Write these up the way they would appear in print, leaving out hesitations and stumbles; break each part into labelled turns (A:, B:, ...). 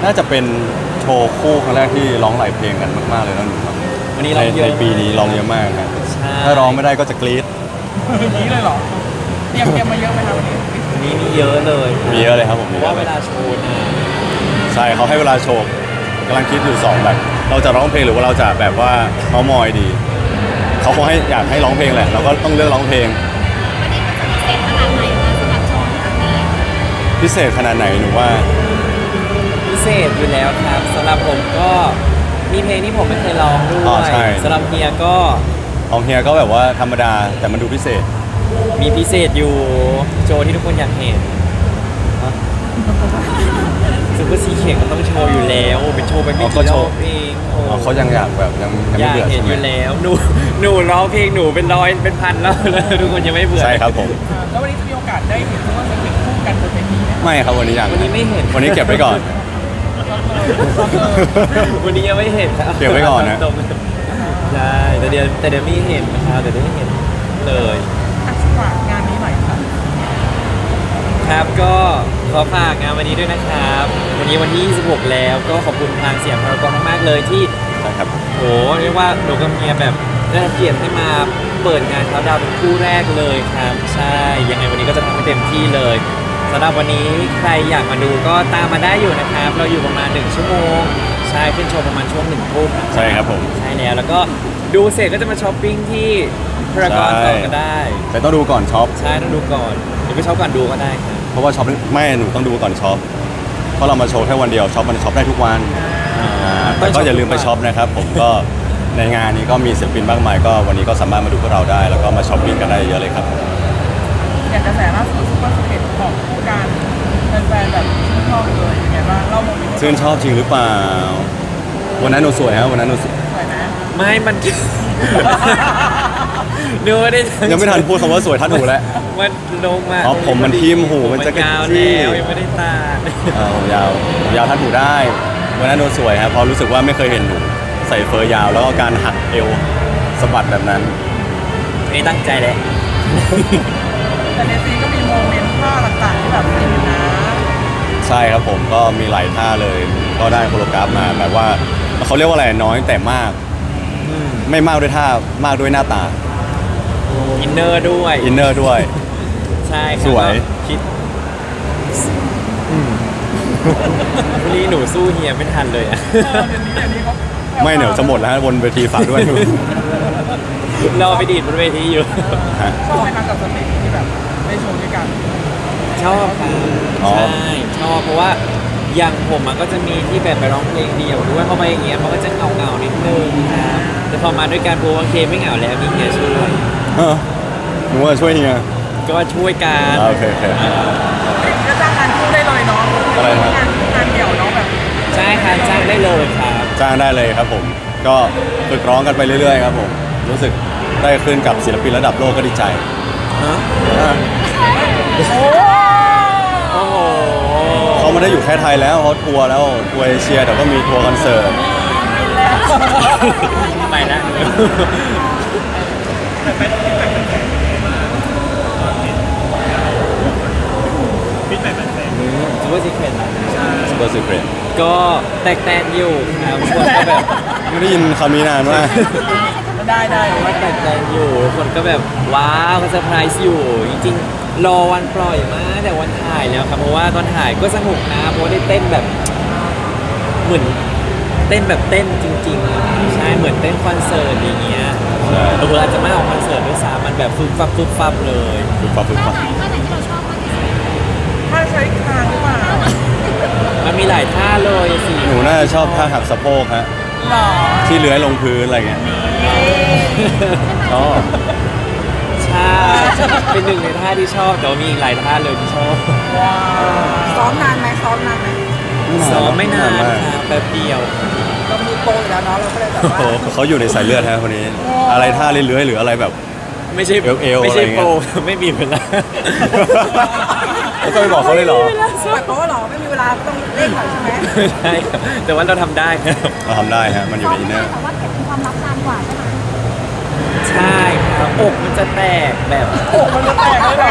A: น่าจะเป็นโชว์คู่ครั้งแรกที่ร้องหลายเพลงกันมากๆเลยนะหนูครับ
B: วันนี้ร้องเยอะ
A: ในปีนี้ร้องเยอะมากครับ
B: ใช่
A: ถ้าร้องไม่ได้ก็จะกรี๊ด
C: นี้เลยเหรอเตรียมมาเยอะไหมครับวันนี้
B: วันนี้มีเยอะเลย
A: มีเยอะเลยครับผม
B: เพ
A: มี
B: ราะ
A: เย
B: ว่า
A: อะเล
B: เวย ลาโชว์นะ
A: ใช่เขาให้เวลาโชว์กำลังคิดอยู่สองแบบ เราจะร้องเพลงหรือว่าเราจะแบบว่าเมามอยดีเขาคงให้อยากให้ร้องเพลงแหละเราก็ต้องเลือกร้องเพลง
D: วันนี้มันจะพิเศษขนาดไหนคะสำหรับโชว์ครั้งนี้
A: พิเศษขนาดไหนหนูว่า
B: พิเศษอยู่แล้วครับสำหรับผมก็มีเพลงที่ผมไม่เคยร้องด้
A: อ๋
B: ว
A: อย ใช่
B: สำหรับเฮียก็
A: ของเฮียก็แบบว่าธรรมดาแต่มันดูพิเศษ
B: มีพิเศษอยู่โชว์ที่ทุกคนอยากเห็นซูเปอร์ซีเข่งมันต้องโชว์อยู่แล้วเป็นโชว์ไปไม่
A: อ๋อก็
B: กี่
A: โช
B: ร
A: ว์
B: อบเองโอ้
A: อ๋อเขายังอยากแบบยัง
B: อ
A: ไม่
B: ยาก
A: เบื่อ
B: เห็น
A: ใช่
B: อ
A: ไหม
B: ยู่แล้วหนูร้องเพลงหนูเป็นร้อยเป็นพันแล้ว ทุกคนยังไม่เบื่อ
A: ใช่ครับผม
C: แล้ววันนี้จะมีโอกาสได้เห็นว่าจะเป็นคู่กันบนเวทีไหม
A: ไม่ครับวันนี้ยัง
B: วันนี้ไม่เห็น
A: วันนี้เก็บไว้ก่อน
B: วันนี้ยังไม่เห็นครับ
A: เก็บไว้ก่อนนะ
B: ตรงๆใช่แต่เดี๋ยวมีเห็นนะครับเดี๋ยวได้เห็นเลย
C: อ่ะฝากงานนี้หน่อยค่ะ
B: ครับก็ขอฝากงานวันนี้ด้วยนะครับ วันนี้วันที่ 26 แล้วก็ขอบคุณทางเสียงพารากอนมากๆเลยที่
A: ใช่ครับ
B: โหเรียกว่าหนูกับเมียแบบได้รับเกียรติให้มาเปิดงานเขาดาวน์เป็นคู่แรกเลยครับ ใช่ยังไงวันนี้ก็จะทำให้เต็มที่เลยสำหรับวันนี้ใครอยากมาดูก็ตามมาได้อยู่นะครับ เราอยู่ประมาณ1ชั่วโมงใช่ขึ้นโชว์ประมาณช่วง1 ทุ่มนะ
A: ใช่ครับผม
B: ใช่แล้วก็ดูเสร็จก็จะมาช้อปปิ้งที่พารากอนต่อก็ได้
A: แต่ต้องดูก่อนช็อป
B: ใช่ต้องดูก่อนหรือไปช็อปก่อนดูก็ได้ครับ
A: เพราะว่าช็อปไม่หนูต้องดูก่อนช็อปเพราะเรามาโชว์แค่วันเดียวช็อปมันช็อปได้ทุกวันแต่ก็อย่าลืมไปช็อปนะครับผมก็ในงานนี้ก็มีศิลปินมากมายก็วันนี้ก็สามารถมาดูพวกเราได้ แล้วก็มาช้อปปิ้งกันได้เยอะเลยครับ
C: อย่างกระแสล่าสุดซุปเปอร์สเก็ตของคู่กันแฟนๆแบบชื่นชอบเลยยังไงบ้างเล่าโมเมนต์
A: ชื่นชอบจริงหรือเปล่าวันนั้นหนูสวยฮะวันนั้นหนูสวย
C: สวยนะ
B: ไม่มัน ดูไม่ได้
A: ยังไม่ทันพูดคำว่าสวยทัดหูแล้ว
B: มันลงมา
A: อ๋อผมมันทิ่มหูมันจะกระ
B: ยาว
A: จี้
B: แล้วยังไม่ได้ตา
A: ผมยาวทัดหูได้วันนั้นหนูสวยครับเพราะรู้สึกว่าไม่เคยเห็นหนูใส่เฟอร์ยาวแล้วก็การหักเอวสะบัดแบบนั้น
B: ไม่ตั้งใจเลย
C: แต่ในซีนก็มีโมเมนต์ท่าต่างๆที่แบบฟินนะ
A: ใช่ครับผมก็มีหลายท่าเลย ก็ได้โคโรกราฟมาแบบว่าเขาเรียกว่าอะไรน้อยแต่มาก ไม่มากด้วยท่ามากด้วยหน้าตา
B: อินเนอร์ด้วย
A: อินเนอร์ด้วย
B: ใช่ครับ
A: สวย
B: ก็คิดวันนี้หนูสู้เฮียไม่ทันเลยอะ
C: เดี๋ยวนี้เขา
A: ไม่เหนียวจะหมดแล้วฮะบนเวทีฝากด้วย
B: รอไปดีดบนเวทีอยู่
A: ฮะ
C: ชอบไหมคะกับสเตจที่แบบได้โชว์ด้วยกัน
B: ชอบครับ
A: อ๋อ
B: ใช่ชอบเพราะว่าอย่างผมมันก็จะมีที่แบบไปร้องเพลงเดียวด้วยพอไปอย่างเงี้ยมันก็จะเหงาๆนิดนึงครับแต่พอมาด้วยการโปรโอเคไม่เหงาแล้วมีเฮียช่วย
A: เออหนูว่าช่วยเฮีย
B: ก็ช่วยกัน
A: โอเคโอเค
C: ก็จ้างงานคู่ได้เลยเนาะ
A: อะไรนะ
C: งานเดี่ยวเนาะแบบ
B: ใช่ครับจ้างได้เลยครับ
A: จ้างได้เลยครับผม ก็ฝึกร้องกันไปเรื่อยๆครับผม รู้สึกได้ขึ้นกับศิลปินระดับโลกก็ดีใจ
B: ฮะ
C: โอ้
B: โอ้โห
A: เขาไม่ได้อยู่แค่ไทยแล้วเขาทัวร์แล้วทัวร์เอเชียเดี๋ยวก็มีทัวร์คอนเสิร์ต
B: ไปแล้ว ซูเปอร์ซีเครต
A: ซูเปอร์ซีเครต
B: ก็แตกแตนอยู่ครับคนก็แบบ
A: ไม่ได้ยินคำนี้นานมาก
C: ได้
B: ว่าแตกแตนอยู่ คนก็แบบว้าวก็เซอร์ไพรส์อยู่ จริงๆ รอวันปล่อยมาแต่วันถ่ายแล้วครับเพราะว่าตอนถ่ายก็สนุกนะเพราะว่าได้เต้นแบบเหมือนเต้นแบบเต้นจริงๆอะใช่เหมือนเต้นคอนเสิร์ตอย่างเงี้ย
A: ใช่
B: เอออาจจะไม่ออกคอนเสิร์ตด้วยซ้ำมันแบบฟึบฟับเลย
A: ฝึกฟังฝึก
D: ท่า
A: ฟัง
D: ไหนท่าไหนที่เราชอบมากที่สุด
C: ถ้าใช้คางหรือเปล่า
B: มันมีหลายท่าเลยสิ
A: หนูน่าจะชอบท่าหักสะโพกฮะ
C: หรอ
A: ที่เลื้อยลงพื้นอะไรเงี้ยอ๋อ
B: ใช่เป็นหนึ่งในท่าที่ชอบแต่ว่ามีอีกหลายท่าเลยที่ชอบ
C: ว้าว
E: ซ้อมนานไหมซ้อมนานไหม
B: ซ้อมไม่นาน
A: มาก
B: ครับแป๊บเดียว
E: เรามีโปรอยู่แล้วเนาะเราก็เลยแบบ
A: โอ้
E: ว่า
A: โหเขาอยู่ในสายเลือดฮะคนนี้ อะไรท่าเลื้อยๆหรืออะไรแบบ
B: ไม่ใช่
A: เอวๆ
B: ไม่ใช่
A: อะไรเงี้ย
B: โปร ไม่มีเวลา
A: แล้วก็ไปบอกเขาเลยเหรอ
E: ปล่อยโปรเหรอไม่มีเวลาต้องเร่งหน่อยใช่ไหม
B: ใช่ครับแต่ว่าเราทำได้ครับ
A: เราทำได้ฮะ มันอยู่ในอินเนอร์
D: แต่ว่าเก็บเป็นความลับนานกว่าใช่ไหม
B: ใช่ครับอกมันจะแตกแบบ
C: โอ้มันจะแตกเลยเหรอลูก
B: คือ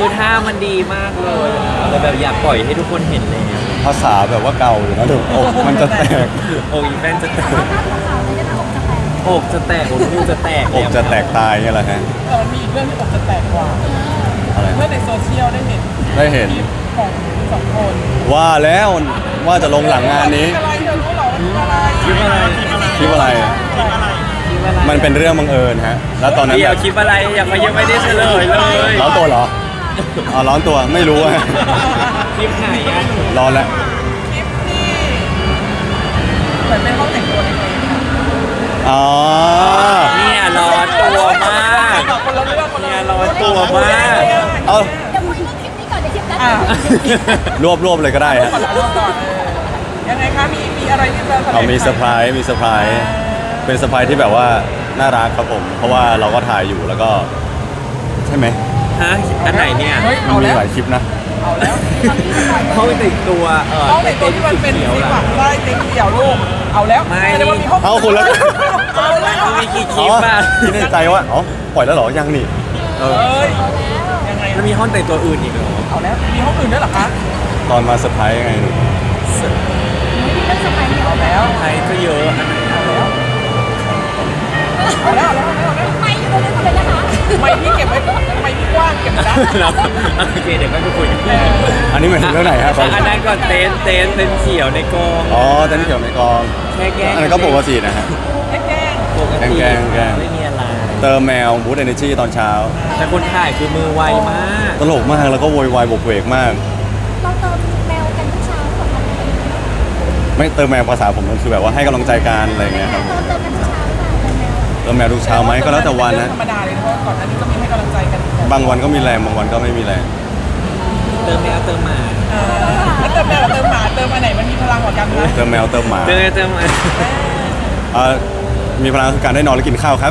B: คือท่ามันดีมากเลยแต่แบบอยากปล่อยให้ทุกคนเห็นเลย
A: ภาษาแบบว่าเก่าอยู่นะถูกอกมันจะแตก
B: โอ้ยแฟนจะแตก
D: ภาพขาวๆเลยนะคะอกจะแตก
B: อกจะแตกอกจะแตก
A: อกจะแตกตายเงี้ยแหละฮะ
C: มันมีอีกเรื่องที่อกจะแตกกว่า
A: อะไร
C: เมื่อในโซเชียลได้เห็น
A: ได้เห็น
C: คลิปของสองคน
A: ว่าแล้วว่าจะลงหลังงานนี้
C: อะไรเธอรู้เหรอว่าคลิปอะไร
B: คลิปอะไร
A: คลิปอะไร
B: คลิปอะไร
A: มันเป็นเรื่องบังเอิญฮะ แล้วตอนนั้น
B: เดี๋
A: แบ
B: ยว
A: บ
B: คลิปอะไรยังไม่ได้เฉลยเลย
A: ร้อนตัวเหรออ๋อร้อนตัวไม่รู้อะ
B: คลิปไหนอ่ะ
A: ร้อนแล้ว
C: คลิปที่เหมือนเป็นห้องแต่งตัวเล็ก
A: อ๋อ
B: เนี่ยร้อนตัวมาก
C: ๆคนละเรื่องคนละ
B: เนี่ย
C: เรื่อง
B: ร้อนตัวมาก
A: เอา
D: เดี๋ยวคุยเรื่องคลิปนี้ก่อนเดี๋ยวคลิปนั้น
C: อ่ะ
A: รวบเลยก็ได้ฮะ
C: ก่อนก่อนยังไงคะมีอะไรที่จะแถลง
A: เอามีเซอร์ไพรส์มีเซอร์ไพรส์เป็นเซอร์ไพรส์ที่แบบว่าน่ารักครับผม เพราะว่าเราก็ถ่ายอยู่แล้วก็ ใช่ไหม
B: ฮะอันไหนเนี่ย
C: เฮ้ย
A: มั
C: เอา
A: นมี
C: แล้ว
A: หลายคลิปนะ
C: เอาแล้ว
B: ห้องแต่งตัว
C: ห้องแต่งตัวที่มันเป็น
B: เขียว
C: สี
B: ล่ะ
C: ฝักไส้เต็มเดี่ยวลูกเอาแล้ว
B: ไม่
C: แสดงว่ามีห้อง
A: เอาคุณแล้ว
C: เอาแล้ว
B: มีกี่คลิปอ่ะ
A: คิดในใจว่าอ๋อปล่อยแล้วเหรอยังนี่เออ
C: เอ้ยยังไง
B: แล้วมีห้องแต่งตัวอื่นอีกเหรอ
C: เอาแล้วมีห้องอื่นด้วยเหรอคะ
A: ตอนมาเซอร์ไพรส์ไงหนู
D: มีเรื่องสมัยนี้
C: เอาแล้ว
B: ใครก็เยอะอันไหน
C: เอาแล้วเอาแล้วเอาแล้วเอาแล้ว
D: ไม่อยู่ตรงนั้นเลยนะคะ
C: ไม่พี่เก็บไว้ไม่พี่กว้างเก็บไว้นะ
B: โอเคเดี๋ยวก็ไปคุยกัน
A: อันนี้หมายถึงเรื่องไหนฮะ
B: อันนั้นก่อนเต็นท์เขียวในกอง
A: อ๋อแต่นี่เกี่ยวในกอง
B: แค่แกล้ง
A: อันนั้นก็ปกตินะฮะ
C: แกล้ง
B: ปกติ
A: แกล้ง
B: ไม่มีอะไร
A: เติมแมวบูตเอเนจีตอนเช้า
B: แต่คนถ่ายคือมือไวมาก
A: ตลกมากแล้วก็โวยวายบกเวกมาก
D: เราเติมแมวกันทุกเช้าหรอคะ
A: ไม่เติมแมวภาษาผมมันคือแบบว่าให้กำลังใจกันอะไรอย่างเงี้ยครับ
D: เติมกันทุกเช้าหรือเปล่า
A: เติมแมวทุกเช้าไหมก็แล้วแต่วันนะ
C: ธรรมดาเลยเพราะก่อนหน้านี้ก็มีให้กำลังใจกัน
A: บางวันก็มีแรงบางวันก็ไม่มีแรง
B: เติมแมวเติมหมา
C: แล้วเติมแมวเติมหมาเติมอันไหนมันมีพลังกว่ากันนะ
A: เติมแมวเติมหมา
B: เติมหมา
A: เอ่อมีพลังคือการได้นอนและกินข้าวครับ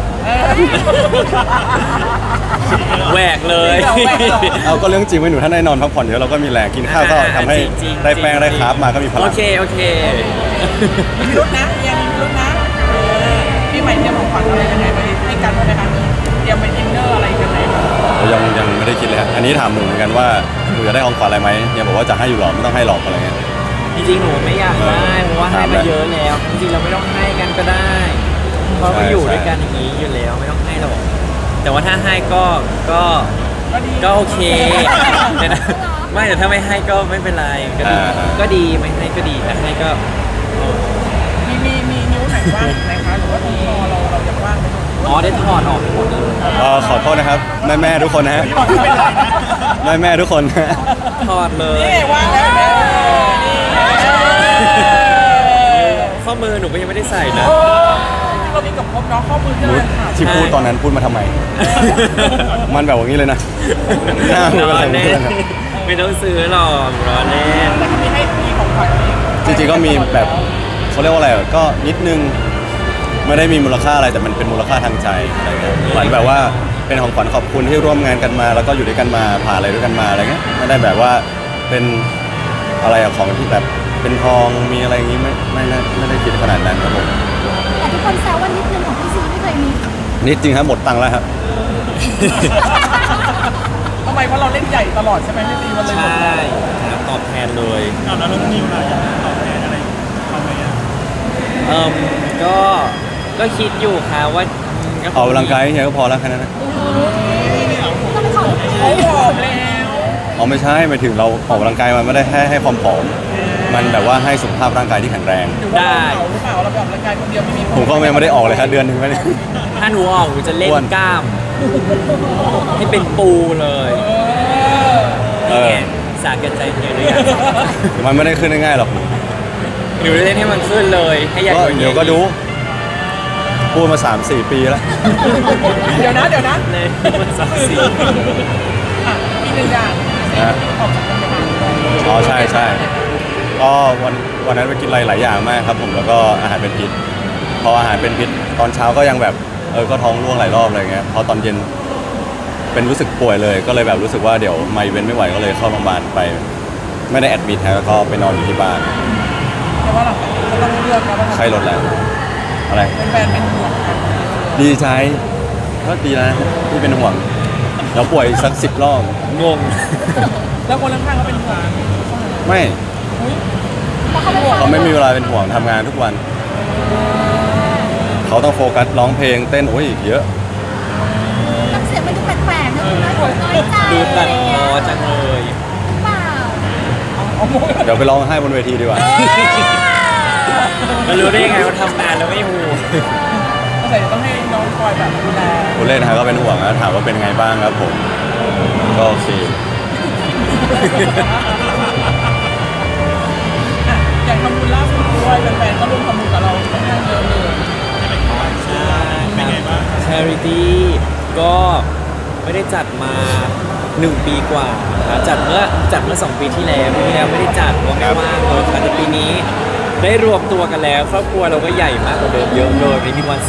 B: แหวกเลย
A: เอาก็เรื่องจริงไว้หนูถ้าได้นอนพักผ่อนเยอะเราก็มีแรงกินข้าวก็ทำให้
B: จริงๆ
A: ได้แป้งได้คาร์บมาก็มีพลั
B: โอง เค
C: มีพิรุษนะมีพิรุษนะพี่ใหม่เตรียมของขวัญอะไรยังไงไปให้กันบ้างไหมคะเตรียมไปดินเนอร์อะไรกันไหม
A: ยังไม่ได้คิดเลยฮะอันนี้ถามหนูเหมือนกันว่าหนูจะได้ของขวัญอะไรไหมเนี่ยบอกว่าจะให้อยู่หรอไม่ต้องให้หรอกอะไรเงี้ย
B: จริงๆหนูไม่อยากได้เพราะว่าให้มาเยอะแล้ว จริงๆเราไม่ต้องให้กันก็ได้ เพราะเราอยู่ด้วยกันอย่างนี้อยู่แล้วไม่ต้องให้หรอกแต่ว่าถ้าให้ก็โอเคแต่นะไม่แต่ถ้าไม่ให้ก็ไม่เป็นไรก็ดีไม่ให้ก็ดีแต่ให้ก็
C: มีนิ้วไหนว่างไหมคะหรือว่าตรงคอเรายังว่างไหม
B: อ๋อได้ถอดออกหมดเลย
A: ขอโทษนะครับแม่ทุกคนนะฮะแม่ทุกคนนะฮะ
B: ถอดเลย
C: นี่ว่างแล้วแม่นี่
B: ข้อมือหนูก็ยังไม่ได้ใส่นะ
C: เรามีกับครบเนาะข้อมือที่
A: หนู
C: เราขาด
A: ที่พูดตอนนั้นพูดมาทำไม มันแบบอย่างนี้เลยนะหน้ามือ
B: ร
A: เป็น
B: อ
A: อะไร
B: เล่
A: ไม่
B: น
A: รู้นะ
B: ไม่ต้องซื้อหรอกรอเล่น
C: แต่ก็มีให้มีของขวัญ
A: จริงๆก็มีแบบเขาเรียกว่าอะไรก็นิดนึงไม่ได้มีมูลค่าอะไรแต่มันเป็นมูลค่าทางใจอะไรเงี้ยเหมือนแบบว่าเป็นของขวัญขอบคุณที่ร่วมงานกันมา แล้วก็อยู่ด้วยกันมาผ่านอะไรด้วยกันมาอะไรเงี้ยไม่ได้แบบว่าเป็นอะไรอะของที่แบบเป็นทองมีอะไรอย่างงี้ไม่ได้คิดขนาดนั้นครับผม
D: แต่ทุกคนแซวว่านิดนึงของพี่ซีไม่เคยมี
A: นิดจริงครับหมดตังค์แล้วครับ
C: ทำไมเพราะเราเล่นใหญ่ตลอดใช่ไหมพี่ตีมันเลยหม
B: ใช่
C: ดเลย
B: ครับตอบแทนเลย
F: แล้วน้องนิวล่ะอยากตอบแทนอะไรเขาไหมอ่ะ
B: ก็คิดอยู่ค่ะว่า
A: ออกกำลังกายเฮียก็พอแล้วแค่นั้นนะ
D: ต้องไปขอ
C: โอ้โหแล้ว
A: อ๋อไม่ใช่หมายถึงเราออกกำลังกายมันไม่ได้ให้ความผอมมันแบบว่าให้สุขภาพร่างกายที่แข็งแรง
C: หรือว่าเราหรือเปล่าเราไปออกกำลังกายคนเดียวไม่มี
A: ผมก็ยังไม่ได้ออกเลยครับเดือนหนึ่งไม่ได้
B: ถ้าหนูออกหนูจะเล่น
A: อ้วน
B: กล้าม ให้เป็นปูเลย
A: เอ
B: นี่
A: อ
B: ไงสาแก่ใจเฮียหรือยัง
A: มันไม่ได้ขึ้นง่ายๆหรอก
B: หนูจะเล่นให้มันขึ้นเลยให้ใหญ่
A: ก็
B: กว่านี้
A: เดี๋ยวก็ดูพูดมา 3-4 ปีแล้ว
C: เดี๋ยวนะ
B: เล่นมันสักสี่
C: อ่ะมีหนึ่งอย่าง
A: นะ
C: ออกจากโรงพยาบาล
A: อ๋อใช่ก็วันนั้นไปกินอะไรหลายอย่างมากครับผมแล้วก็อาหารเป็นพิษพออาหารเป็นพิษตอนเช้าก็ยังแบบก็ท้องร่วงหลายรอบอะไรเงี้ยพอตอนเย็นเป็นรู้สึกป่วยเลยก็เลยแบบรู้สึกว่าเดี๋ยวไมเว้นไม่ไหวก็เลยเข้าโรงพยาบาลไป ไม่ได้แอดมิทฮะแล้วก็ไปนอนอยู่ที่บ้าน
C: แต่ว่าหลังจากนี้ก็ต้องเลือกแล้วว่า
A: ไข้ลดแล้วอะไร
C: เป็นแฟนเป็นห่วงกัน
A: ดีใจก็ดีนะที่เป็นห่วงแล้วป่วยอีกสัก10 รอบ
B: งง
C: แล้วคนข้างๆเขาเป็นห่วง
A: ไม่
D: เพราะเขาเป็น
A: เขาไม่มีเวลาเป็นห่วงทำงานทุกวัน เขาต้องโฟกัสร้องเพลงเต้นโอ้ยเยอะ
D: น้ำเสียงมันดูแปลกๆนะคุณน้อยใจ
B: ดูตัด
D: อะไร
B: ค
D: เงี้
B: อย จังเลย
D: เปล่า
A: เดี๋ยวไปร้องไห้บนเวทีดีกว่า
B: มันรู้ได้ยังไงว่าทำงานแล้วไม่หู
C: ก็เลยต้องให้น้องคอยแบบดูแล
A: ผู้เล่นนะครับก็เป็นห่วงนะถามว่าเป็นไงบ้างครับผม ก็โอเค
C: อ่ะอย่างทำบุญล่าสุดด้วยแฟนๆก็ร่วมทำบุญกับเราค่อนข้างเยอะเลย
B: ใช่ครับ Charity ก็ไม่ได้จัดมา 1 ปีกว่าครับจัดเมื่อ 2 ปีที่แล้วปีที่แล้วไม่ได้จัดเพราะไม่ว่างเลยครับแต่ปีนี้ได้รวมตัวกันแล้วครอบครัวเราก็ใหญ่มากกว่าเดิมเยอะเลยมีวัน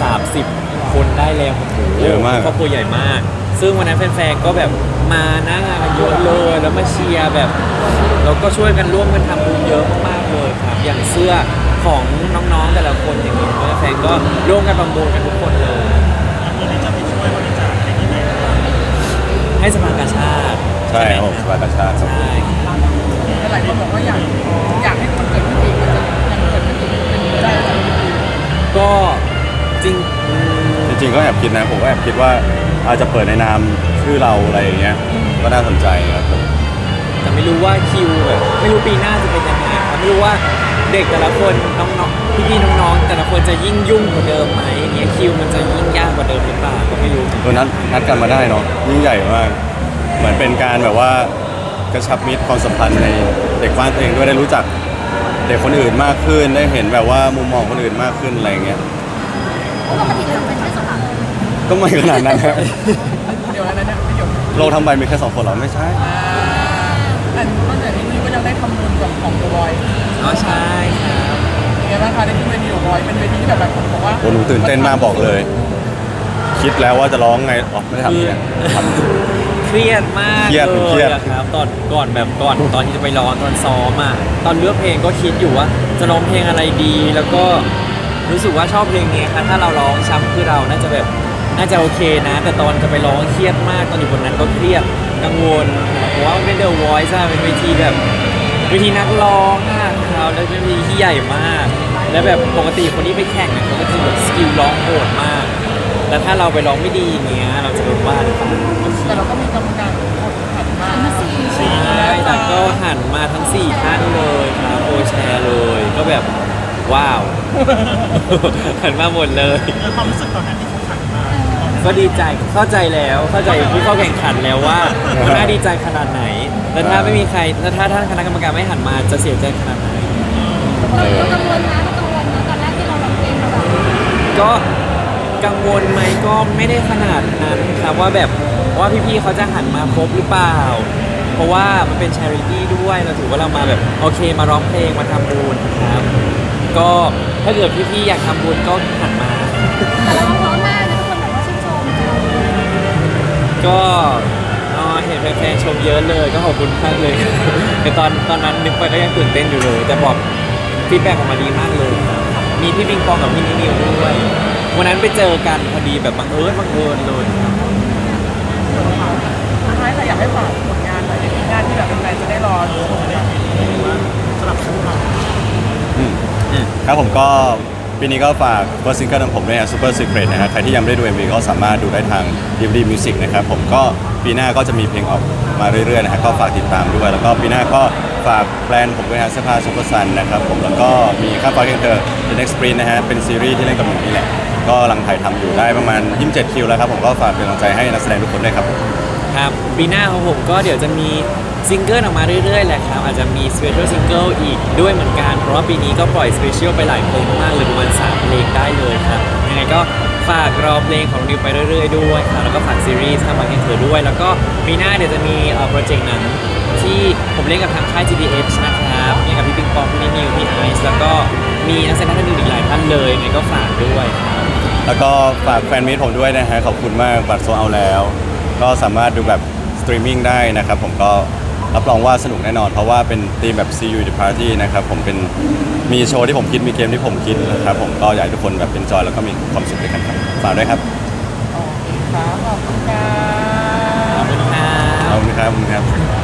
B: 30 คนได้แล้วโอ้โห
A: เยอะมาก
B: ครอบครัวใหญ่มาก ซึ่งวันนั้นแฟนๆก็แบบมาหน้างานกันเยอะเลยแล้วมาเชียร์แบบเราก็ช่วยกันร่วมกันทำบุญเยอะมากๆเลยครับอย่างเสื้อของน้องๆแต่ละคนอย่างนี้แฟนๆก็ร่วมกันประมูลกันทุกคนเลย
F: วันนี้จะไปช่วยบริจาคให้ที่ไหนบ้าง
B: ให้สภากาชาติ
A: ใช่ครับผมสบายประชาชน
B: ใช่
C: หลายคนบอกว่าอยากให้มันเกิดขึ้นอีกมันจะยังเกิดขึ้นอีกเป็นไปได้ไหม
B: ก็จริง
A: จริงๆก็แอบคิดนะผมก็แอบคิดว่าอาจจะเปิดในนามชื่อเราอะไรอย่างเงี้ยก็น่าสนใจครับผม
B: แต่ไม่รู้ว่าคิวแบบไม่รู้ปีหน้าจะเป็นยังไงครับไม่รู้ว่าเด็กแต่ละคนน้องๆพี่ๆน้องๆแต่ละคนจะยิ่งยุ่งกว่าเดิมไหมอย่างเงี้ยคิวมันจะยิ่งยากกว่าเดิมหรือเปล่าก็ไม่รู้
A: นัดกันมาได้เนาะยิ่งใหญ่มาก เหมือนเป็นการแบบว่ากระชับมิตรความสัมพันธ์ในเด็กบ้านตัวเองด้วยได้รู้จักเด็กคนอื่นมากขึ้นได้เห็นแบบว่ามุมมองคนอื่นมากขึ้นอะไรอย่างเงี้ย
D: ปกติเราเป็นแค่สองคน
A: ก็ไม่ขนาดนั้นครับ
C: เดี๋ยวอันนั้นเนี่ยประโยค
A: โลกทั้งใบมีแค่2 คนเหรอไม่ใช่
C: อันนอกจากนี้ก็ยังได้ทำบุญกับของตัวบอย
B: อ๋อใช่ครับ
C: เป็นไงบ้างคะได้ขึ้นเวทีของบอยเป็นเวทีที่แบบหลายคนบอกว่า
A: โอ้หนูตื่นเต้นมากบอกเลย คิดแล้วว่าจะร้องไงอ๋อไม่ได้ทำเนี่ยทำ
B: เครียดมาก
A: เครียด
B: เล
A: เครี
B: ย
A: ยด
B: อะครับก่อนตอนที่จะไปร้องตอนซ้อมอ่ะตอนเลือกเพลงก็คิดอยู่ว่าจะร้องเพลงอะไรดี แล้วก็รู้สึกว่าชอบเพลงนี้ครับถ้าเราร้องช้ำคือเราน่าจะแบบน่าจะโอเคนะ แต่ตอนจะไปร้องเครียดมากตอนอยู่บนนั้นก็เครียดกังวลเพราะว่ามันเป็น The Voice อะเป็นเวทีแบบเวทีนักร้องอะครับแล้วเป็นเวทีที่ใหญ่มาก แล้วแบบปกติคนที่ไปแข่งอะเขาก็จะแบบสกิลร้องโหดมาก แล้วถ้าเราไปร้องไม่ดีอย่างเงี้ยเราจะโดนว่าหรือเปล่า
C: แต่เราก็มีกรรมการคนหันมา
B: ใช่แล้วก็หันมาทั้ง 4 ท่านเลยครับโอแชร์เลย ก็แบบว้าว หันมาหมดเลย
F: แล้วความรู้สึกตอนนั้นที่เขาขันมา
B: ก็ดีใจเข้าใจแล้วเข้าใจผู้เข้าแข่งขันแล้วว่ามันน่าดีใจขนาดไหน แล้วถ้าไม่มีใครแล้วถ้าท่านคณะกรรมการไม่หันมาจะเสียใจขนาดไหน
D: เรากังวลนะเรากังวลนะตอนแรกที่เราร้องเพลงเราแบบ
B: ก็กังวลไหมก็ไม่ได้ขนาดนั้นครับว่าแบบว่าพี่ๆเขาจะหันมาครบหรือเปล่า เพราะว่ามันเป็น charity ด้วยเราถือว่าเรามาแบบโอเคมาร้องเพลงมาทำบุญครับ ก็ถ้าเกิดพี่ๆอยากทำบุญก็หันมา
D: แต่เราร้องเพราะมากนะทุกคนแบบว่าชื่นชมเรา
B: ก็เห็นแฟนๆชมเยอะเลยก็ขอบคุณมากเลย แต่ตอนนั้นนึกไปก็ยังตื่นเต้นอยู่เลย แต่บอกฟีดแบ็กออกมาดีมากเลยครับมีพี่ปิงปองกับพี่นิวด้วยวันนั้นไปเจอกันพอดีแบบบังเอิญเลยครับ
C: สุดท้ายค่ะอยากให้ฝากผลงานหน่อยในปีหน้าที่แบบแฟนๆจะได้รอชมเนี่ย
F: สำหรับคู่เรา
A: ครับผมก็ปีนี้ก็ฝากเฟิร์สซิงเกิลของผมด้วยนะ Super Secret นะฮะใครที่ยังไม่ได้ดู MV ก็สามารถดูได้ทาง DVD Music นะครับผมก็ปีหน้าก็จะมีเพลงออกมาเรื่อยๆนะฮะก็ฝากติดตามด้วย แล้วก็ปีหน้าก็ฝากแบรนด์ผมด้วยนะเสื้อผ้า Super Sun นะครับผมแล้วก็มีข้าวฟ้าเคียงเธอ The Next Sprint นะฮะเป็นซีรีส์ที่เล่นกับหนูนี่แหละก็กำลังถ่ายทำอยู่ได้ประมาณ27 คิวแล้วครับผมก็ฝากเป็นกำลังใจให้นักแสดงทุกคนด้วยครับ
B: ครับปีหน้าของผมก็เดี๋ยวจะมีซิงเกิลออกมาเรื่อยๆแหละครับอาจจะมีสเปเชียลซิงเกิลอีกด้วยเหมือนกันเพราะว่าปีนี้ก็ปล่อยสเปเชียลไปหลายเพลงมากเลยประมาณ3เพลงได้เลยครับยังไงก็ฝากรอเพลงของนิวไปเรื่อยๆด้วยครับแล้วก็ฝากซีรีส์ทำมาให้เธอด้วย แล้วก็ปีหน้าเดี๋ยวจะมีโปรเจกต์หนังที่ผมเล่นกับทางค่าย GDH นะครับมีกับพี่ปิงปองพี่นิวพี่ไอซ์แล้วก็มีนักแสดงท่านอื่นอีกหลายท่านเลยยังไงก็ฝากด้วยครับ
A: แล้วก็ฝากแฟนมิตรผมด้วยนะฮะขอบคุณมากบัตรโซลเอาท์แล้ว ก็สามารถดูแบบสตรีมมิ่งได้นะครับผมก็รับรองว่าสนุกแน่นอน เพราะว่าเป็นธีมแบบ See You the Party นะครับผมเป็นมีโชว์ที่ผมคิดมีเกมที่ผมคิดนะครับผมก็อยากให้ทุกคนแบบเป็นจอยแล้วก็มีความสุขด้วยกันครับฝากด้วยครับ
C: โอเคครับขอบคุณค่ะ
B: ขอบคุณ
A: ครับขอบคุณครับ